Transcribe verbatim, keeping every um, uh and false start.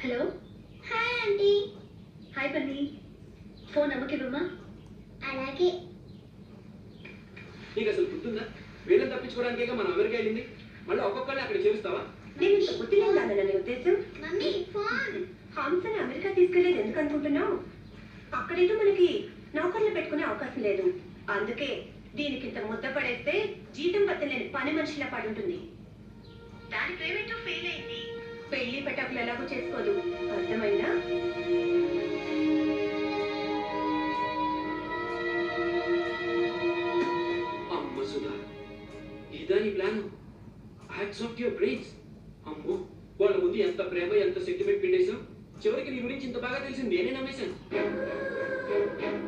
Hello. Hi aunty. Hi Bunny. Phone అమ్మకివ్వమ్మా. అలాగే. నీకు అసలు గుర్తుందా? వీళ్ళని తప్పించుకోవడానికే మనం అమెరికా వెళ్ళింది. మళ్ళీ ఒక్కొక్కరిని అక్కడ చేరుస్తావా? నేను ఇంత బుద్ధి లేదా నీ ఉద్దేశం? Mummy phone. హంసని అమెరికా తీసుకెళ్లేది ఎందుకు అనుకుంటున్నావు? అక్కడేదో మనకి నౌకర్లు పెట్టుకునే అవకాశం లేదు. అందుకే దీనికి ఇంత ముద్ద పడేస్తే జీతం బద్దలేని పని మనిషిలా పడి ఉంటుంది. దాని పేమెంట్ ఫెయిల్ అయింది. పెళ్లి పెట్టకులు ఎలాగో చేసుకోదు. అర్థమైందా? అమ్మ సుధా, ఇదా నీ plan? Hats off your brains. అమ్మో, వాళ్ళ ముందు ఎంత ప్రేమ ఎంత సెంటిమెంట్ పిండేశాం. చివరికి నీ గురించి ఇంత బాగా తెలిసింది నేనే నమ్మేశాను.